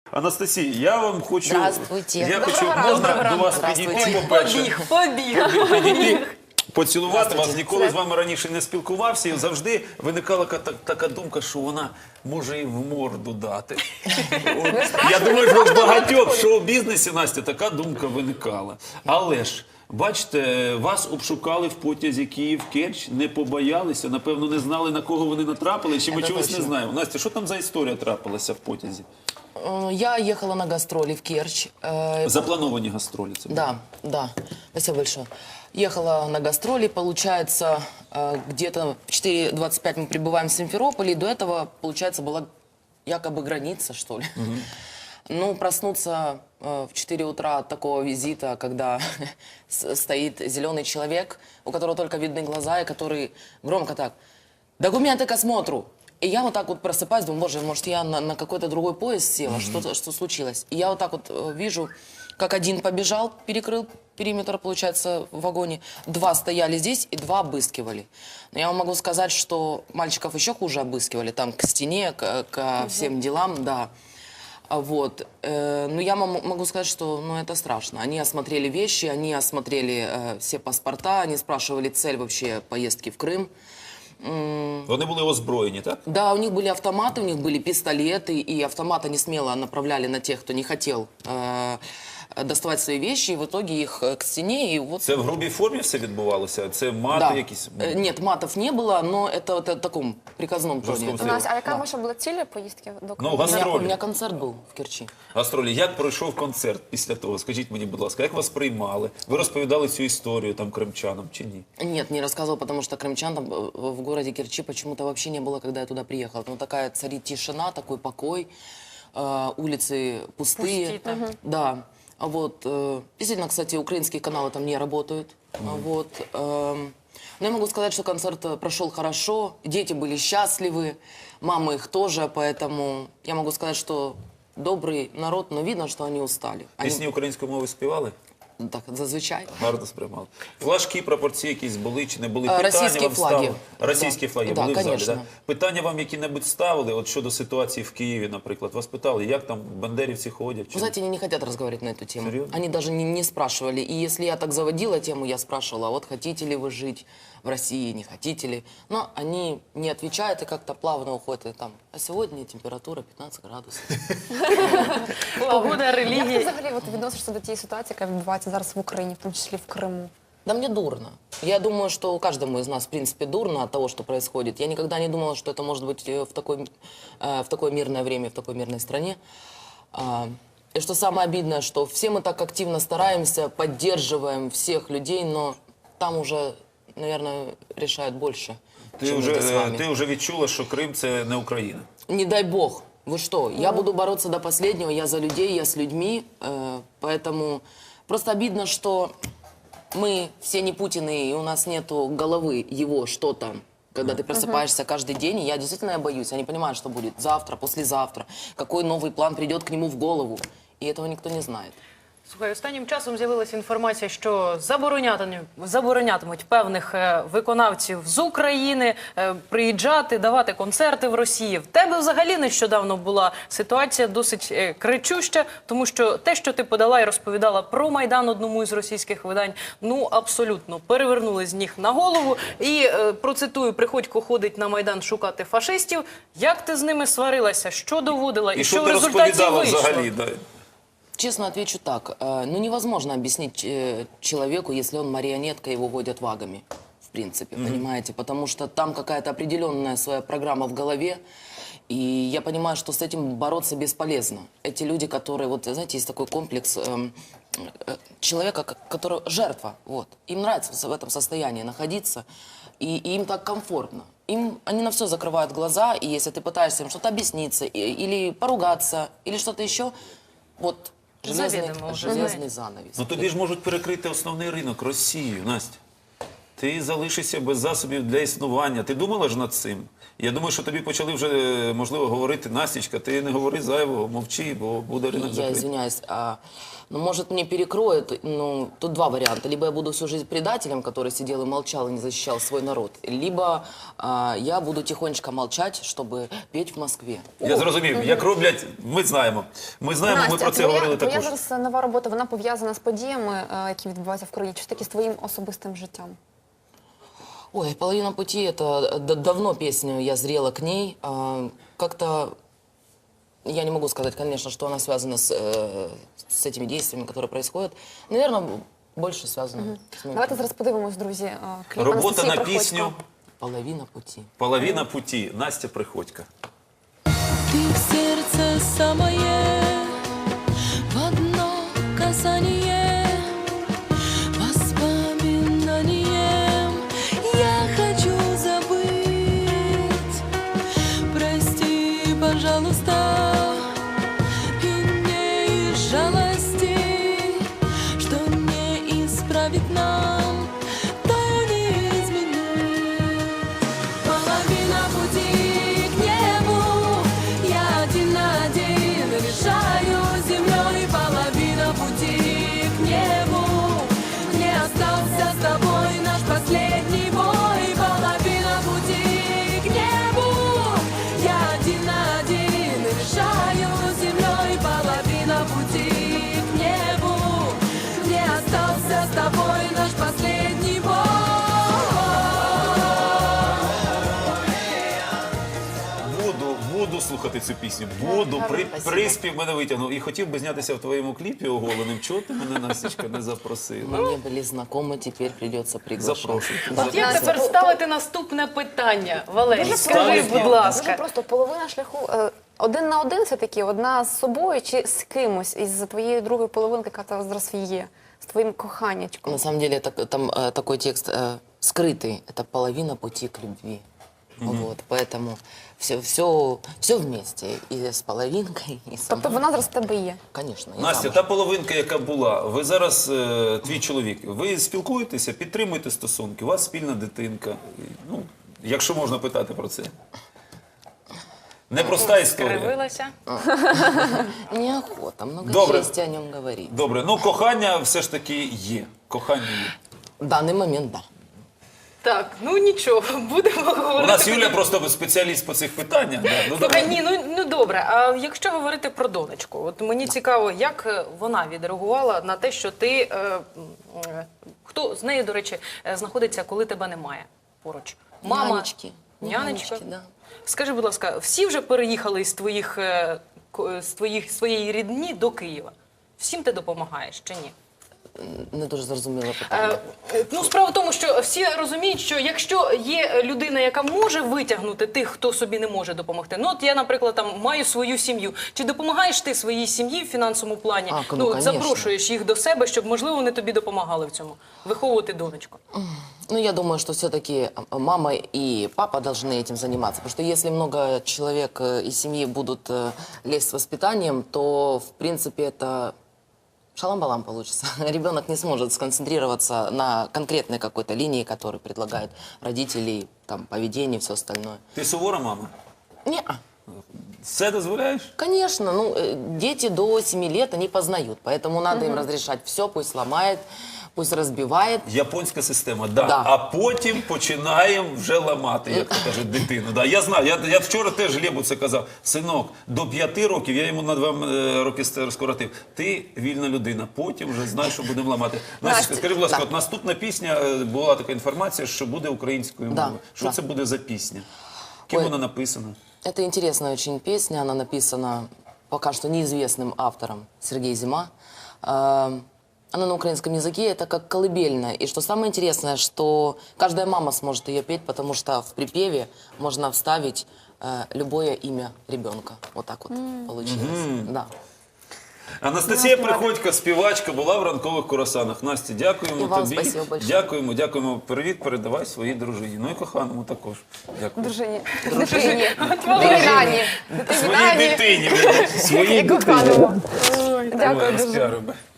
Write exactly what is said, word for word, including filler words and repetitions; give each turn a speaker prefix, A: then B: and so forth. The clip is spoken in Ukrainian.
A: Анастасія, я вам хочу...
B: Здравствуйте.
A: Я
B: Доброго
A: хочу,
B: ранку.
A: можна
B: Доброго
A: до вас
B: ранку.
A: підійти,
B: Здравствуйте.
A: по-перше?
C: Побіг, побіг.
A: Підійти, поцілувати вас.
B: Здравствуйте.
A: Ніколи з вами раніше не спілкувався. І завжди виникала ка- така думка, що вона може і в морду дати. От, я думаю, що в багатьох в шоу-бізнесі, Настя, така думка виникала. Але ж, бачите, вас обшукали в потязі Київ-Керчь, не побоялися, напевно, не знали, на кого вони натрапили, чи ми
B: Це
A: чогось не
B: точно.
A: знаємо. Настя, що там за історія трапилася в потязі?
B: Э, Я ехала на гастроли в Керчь. э,
A: Заплановані гастролі це були.
B: Да, да. Спасибо большое. Ехала на гастроли, получается, э, где-то в четыре двадцать пять мы прибываем в Симферополе, и до этого, получается, была якобы граница, что ли. Ну, проснуться э, в четыре утра от такого визита, когда с- стоит зеленый человек, у которого только видны глаза, и который громко так: «Документы к осмотру!» И я вот так вот просыпаюсь, думаю, боже, может, я на, на какой-то другой поезд села, что, что случилось? И я вот так вот э, вижу, как один побежал, перекрыл периметр, получается, в вагоне, два стояли здесь и два обыскивали. Но я вам могу сказать, что мальчиков еще хуже обыскивали, там к стене, к, ко всем делам, да. А Вот. Э, Но я мам- могу сказать, что ну, это страшно. Они осмотрели вещи, они осмотрели э, все паспорта, они спрашивали цель вообще поездки в Крым.
A: Вони були озброєні, так?
B: Да, у них были автоматы, у них были пистолеты, и автоматы они смело направляли на тех, кто не хотел э, доставать свои вещи, и в итоге их э, к стене, и вот...
A: Це в грубій формі все відбувалося? Це мати
B: Да.
A: якісь?
B: Э, Нет, матов не было, но это вот в таком приказном тоне.
A: Жестком
B: это
A: стиле.
C: Настя, а яка ваша була ціль поїздки до
A: Ну,
C: Криму?
B: У меня, у
A: гастролі.
B: меня концерт был в Керчи.
A: Гастролі. Як пройшов концерт після того? Скажіть мені, будь ласка, як вас приймали? Ви розповідали цю історію там кримчанам чи ні?
B: Нет, не рассказывал, потому что крымчан там э, в городе Керчи почему-то вообще не было, когда я туда приехала. Ну, такая царит тишина, такой покой, э, улицы пустые.
C: Пусти, да.
B: Да. А Вот, э, действительно, кстати, украинские каналы там не работают. А Вот, эм, но я могу сказать, что концерт э, прошел хорошо, дети были счастливы, мамы их тоже, поэтому я могу сказать, что добрый народ, но видно, что они устали. Они,
A: Пісні української мови співали?
B: так, зазвичай.
A: Гарно сприймали. Флажки, прапорці якісь були чи не були?
B: Е,
A: Питання
B: російські
A: вам
B: флаги.
A: ставили? Російські
B: Да.
A: флаги
B: Да,
A: були в залі,
B: конечно.
A: так? Питання вам які-небудь ставили, от щодо ситуації в Києві, наприклад? Вас питали, як там бандерівці ходять?
B: Вы
A: Чи...
B: знаете, они не хотят разговаривать на эту тему.
A: Серьезно?
B: Они даже не, не спрашивали. И если я так заводила тему, я спрашивала, а вот хотите ли вы жить в России, не хотите ли. Но они не отвечают и как-то плавно уходят. И там, а сегодня температура пятнадцать градусов.
C: Погода,
D: Як ти
C: релігія.
D: взагалі от, відносишся до тієї ситуації, яка відбувається зараз в Україні, в тому числі в Криму?
B: Да мне дурно. Я думаю, что каждому из нас, в принципе, дурно от того, что происходит. Я никогда не думала, что это может быть э, в, такой, э, в такое мирное время, в такой мирной стране. А, И что самое обидное, что все мы так активно стараемся, поддерживаем всех людей, но там уже, наверное, решают больше,
A: Ти
B: чем
A: вже,
B: это с
A: е,
B: вами.
A: ти вже відчула, що Крим – це не Україна?
B: Не дай бог. Вы что? Я буду бороться до последнего. Я за людей, я с людьми. э, Поэтому просто обидно, что мы все не Путины, и у нас нету головы его, что там. Когда ты просыпаешься каждый день, и я действительно я боюсь. Я не понимаю, что будет завтра, послезавтра. Какой новый план придет к нему в голову. И этого никто не знает.
C: Слухай, останнім часом з'явилася інформація, що заборонятимуть, заборонятимуть певних е, виконавців з України е, приїжджати, давати концерти в Росії. В тебе взагалі нещодавно була ситуація досить е, кричуща, тому що те, що ти подала і розповідала про Майдан одному із російських видань, ну абсолютно перевернули з ніг на голову. І е, процитую, Приходько ходить на Майдан шукати фашистів. Як ти з ними сварилася? Що доводила? І,
A: І
C: що
A: що
C: в
A: ти
C: результаті
A: розповідала
C: вийшло?
A: взагалі? Да?
B: Честно отвечу так. э, Ну, невозможно объяснить э, человеку, если он марионетка, его водят вагами, в принципе, понимаете? Потому что там какая-то определенная своя программа в голове, и я понимаю, что с этим бороться бесполезно. Эти люди, которые, вот, знаете, есть такой комплекс эм, э, человека, ко- который жертва, вот. Им нравится в этом состоянии находиться, и, и им так комфортно. Им, они на все закрывают глаза, и если ты пытаешься им что-то объясниться, и- или поругаться, или что-то еще, вот железный,
C: Заведомо уже
B: железный
C: знаете.
B: занавес.
A: Ну тобі ж можуть перекрити основний ринок – Росію, Настя. ти залишишся без засобів для існування. Ти думала ж над цим? Я думаю, що тобі почали вже, можливо, говорити: Настічка, ти не говори зайвого, мовчи, бо буде ринок
B: Я
A: закритий.
B: извиняюсь, а, ну, может, мне перекроют, ну, тут два варианта. Либо я буду всю жизнь предателем, который сидел и молчал и не защищал свой народ, либо а, я буду тихонечко молчать, чтобы петь в Москве.
A: Я зрозумів, як роблять, ми знаємо. Ми знаємо, ми
D: Настя,
A: про це
D: твоя,
A: говорили
D: твоя
A: також.
D: зараз нова робота, вона пов'язана з подіями, е, які відбуваються в країні, чи таки з твоїм особистим життям?
B: Ой, «Половина пути» — это д- давно песня, я зрела к ней. А, как-то я не могу сказать, конечно, что она связана с, э, с этими действиями, которые происходят. Наверное, больше связано с моим.
D: Давайте зараз подивимось, друзі, е, кліп
A: Робота
D: Анастасії
A: на
D: Приходько.
A: пісню
B: «Половина пути».
A: «Половина путі». Настя Приходько.
E: Ты в сердце самое, в одно касание, воспоминанием я хочу забыть. Прости, пожалуйста, и не из жалости, что не исправить нам, то не изменить. Половина пути к небу, я один на один решаю землей. Половина пути к небу, не остался с тобой наш последний бой. Половина пути к небу, я один на один решаю землей. Половина пути к небу, не остался с тобой наш последний бой.
A: Буду, буду слухати цю пісню. Буду. При,
B: Спасибо.
A: приспів мене витягнув. І хотів би знятися в твоєму кліпі оголеним. Чого ти мене, Настічка, не запросила?
B: Мы не были знакомы, теперь придется приглашать.
A: Запрошую.
C: От як
D: Настя,
C: тепер
D: ну,
C: ставити наступне питання, Валерій?
D: Дуже
C: Скажи,
A: просто.
C: будь
D: Дуже
C: ласка.
D: просто половина шляху. е, Один на один все-таки, одна з собою чи з кимось із твоєї другої половинки, яка там зараз є, з твоїм коханячком.
B: На самом деле так- там э, такой текст э, скрытый. Это половина пути к любви. Вот, поэтому все, все, все вместе. И с половинкой, и с
D: Тобто вона зараз в тебе є.
B: Конечно, я
A: Настя,
B: замуж.
A: та половинка, яка була, ви зараз, е, твій чоловік, ви спілкуєтеся, підтримуєте стосунки, у вас спільна дитинка. Ну, якщо можна питати про це. Непроста історія.
C: Скривилася.
B: Неохота, много
A: Добре.
B: чести о нем говорить.
A: Добре, ну кохання все ж таки є. Кохання є.
B: В данный момент, да.
C: Так, ну нічого, будемо
A: У
C: говорити.
A: нас Юля просто спеціаліст по цих питаннях. Да. Ну,
C: Слухай,
A: давай.
C: ні, ну, ну добре. А якщо говорити про донечку, от мені цікаво, як е, вона відреагувала на те, що ти е, м, е, хто з нею, до речі, е, знаходиться, коли тебе немає поруч? Мама,
B: Нянечки.
C: нянечка.
B: Нянечки, да.
C: Скажи, будь ласка, всі вже переїхали з твоїх е, ко- з твоїх своєї рідні до Києва? Всім ти допомагаєш чи ні?
B: Не дуже зрозуміло питання.
C: Е, Ну, справа в тому, що всі розуміють, що якщо є людина, яка може витягнути тих, хто собі не може допомогти. Ну, от я, наприклад, там маю свою сім'ю. Чи допомагаєш ти своїй сім'ї в фінансовому плані?
B: А, ну,
C: ну,
B: конечно.
C: запрошуєш їх до себе, щоб, можливо, вони тобі допомагали в цьому. Виховувати донечку.
B: Ну, я думаю, что все-таки мама и папа должны этим заниматься. Потому что если много человек э, из семьи будут э, лезть с воспитанием, то, в принципе, это шалам-балам получится. Ребенок не сможет сконцентрироваться на конкретной какой-то линии, которую предлагают родители, там, поведение, все остальное.
A: Ти сувора мама?
B: Не,
A: Все дозволяєш?
B: конечно, ну, э, дети до семи лет, они познают, поэтому надо им разрешать все, пусть ломает, пусть разбивает.
A: Японська система, да.
B: Да.
A: А потім починаємо вже ламати, як то кажуть, дитину. Да. Я знаю, я, я вчора теж Глебу це казав. Синок, до п'яти років, я йому на два е, роки ст- скоротив. Ти вільна людина, потім вже знаєш, що будемо ламати. Настя,
D: Настя,
A: скажи, будь ласка,
B: да.
A: от наступна пісня, е, була така інформація, що буде українською
B: Да,
A: мовою. Що
B: да.
A: це буде за пісня? Ким
B: Ой.
A: вона написана?
B: Это интересная очень песня, она написана пока что неизвестным автором Сергей Зима. Э, Она на украинском языке, это как колыбельная. И что самое интересное, что каждая мама сможет ее петь, потому что в припеве можно вставить э, любое имя ребенка. Вот так вот получилось. Да.
A: Анастасія Приходько, співачка, була в ранкових курасанах. Настя, дякуємо
B: І вам
A: тобі.
B: спасибо большое.
A: Дякуємо, дякуємо. Привіт, передавай своїй дружині. Ну і коханому також. Дякую.
D: Дружині. Дитині.
C: Валерій.
D: Дитині. Дитині.
A: Своїй дитині. Своїй
D: І
A: дитині.
D: коханому. Дякую
A: Ой,
D: дуже.
A: спіаримо.